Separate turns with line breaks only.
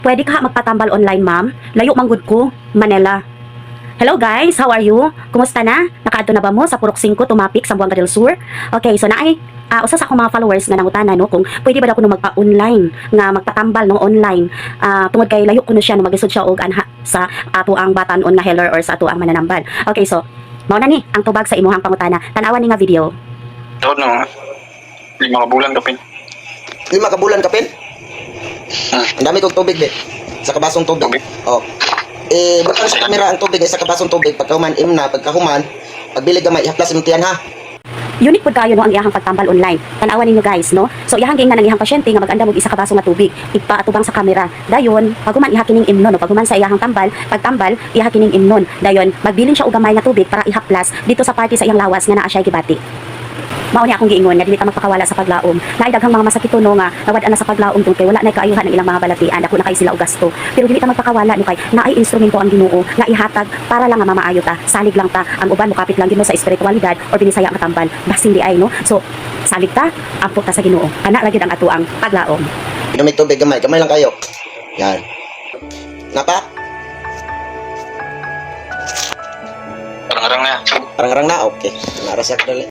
Pwede ka magpatambal online, ma'am? Layo manggod ko, Manila. Hello guys, how are you? Kumusta na? Nakaadto na ba mo sa Purok 5 Tumapik sa Buanga del Sur? Okay, so naay usa sa akong mga followers nga nangutana no kung pwede ba daw kuno magpa-online nga magpatambal no online. Tungod kay layo kuno siya no magisod siya og anha sa ato ang batanon nga healer or sa ato ang mananambal. Okay, so mao na ni ang tubag sa imuhang pangutana. Tan-awan ni nga video.
Taon na, 5 ka bulan kapin.
5 ka bulan kapin? Ang dami kong tubig, be. Sa kabasong tubig.
Tubig?
Oh. Butang sa kamera ang tubig, sa kabasong tubig. Pagkahuman, pagkahuman, pagbili gamay, ihaplas imong tiyan, ha?
Unique pud kayo no ang iyahang pagtambal online. Tan-awan ninyo guys no. So iyahang ging na ng iyahang pasyente nga maganda og isa ka baso nga tubig, ipaatubang sa kamera. Dayon, paguman iha kining imnon no, paguman sa iyahang pagtambal, iha kining imnon. Dayon, magbilin siya og gamay nga tubig para ihaplas dito sa party sa iyang lawas nga naa siya gibati. Mao ni akong giingon nga dili ta magpakawala sa paglaom. Naay daghang mga masakit no nga nawad-an na sa paglaom tungkol kay wala nay kaayuhan ang ilang mga balatian, dako na kay sila og gasto. Pero dili ta magpakawala no kay naay instrumento ang Ginoo nga ihatag para lang nga mamaayo ta. Salig lang ta, ang uban mukapit lang Ginoo sa espiritualidad or binisaya nga tambal. Basin di ay no. So salig ta, ampo ta sa Ginoo. Kana ra gyud ang atuang paglaom.
Inom tubig gamay, gamay lang kayo. Yan. Napa?
Parang-arang na.
Parang-arang na, okay. Naras yak dali.